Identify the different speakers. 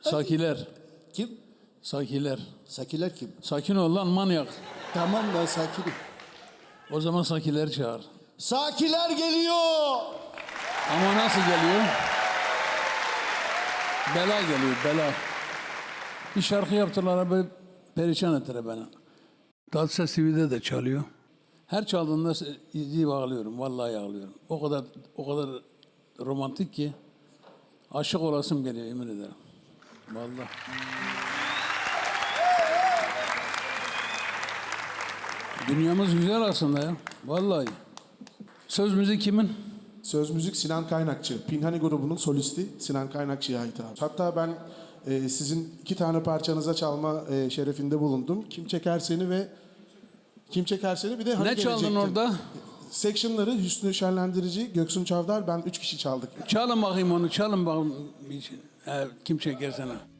Speaker 1: Sakiler.
Speaker 2: Kim?
Speaker 1: Sakiler.
Speaker 2: Sakiler kim?
Speaker 1: Sakin ol lan manyak.
Speaker 2: Tamam ben sakinim.
Speaker 1: O zaman sakiler çağır.
Speaker 2: Sakiler geliyor.
Speaker 1: Ama nasıl geliyor? Bela geliyor, bela. Bir şarkı yaptılar, böyle perişan ettiler beni. Tatlıses TV'de de çalıyor. Her çaldığında izleyip ağlıyorum, vallahi ağlıyorum. O kadar romantik ki aşık olasım geliyor, yemin ederim. Vallahi. Dünyamız güzel aslında ya, vallahi. Söz müzik kimin?
Speaker 3: Söz müzik Sinan Kaynakçı. Pinhani grubunun solisti Sinan Kaynakçı'ya ait abi. Hatta ben sizin 2 tane parçanıza çalma şerefinde bulundum. Kim Çeker Seni ve Kim Çeker Seni bir de Hani
Speaker 1: Ne çaldın
Speaker 3: Gelecektin.
Speaker 1: orada?
Speaker 3: Section'ları Hüsnü Şenlendirici, Göksun Çavdar, ben 3 kişi çaldık.
Speaker 1: Çalın bakayım onu, çalın bakayım. Kim çeker sana?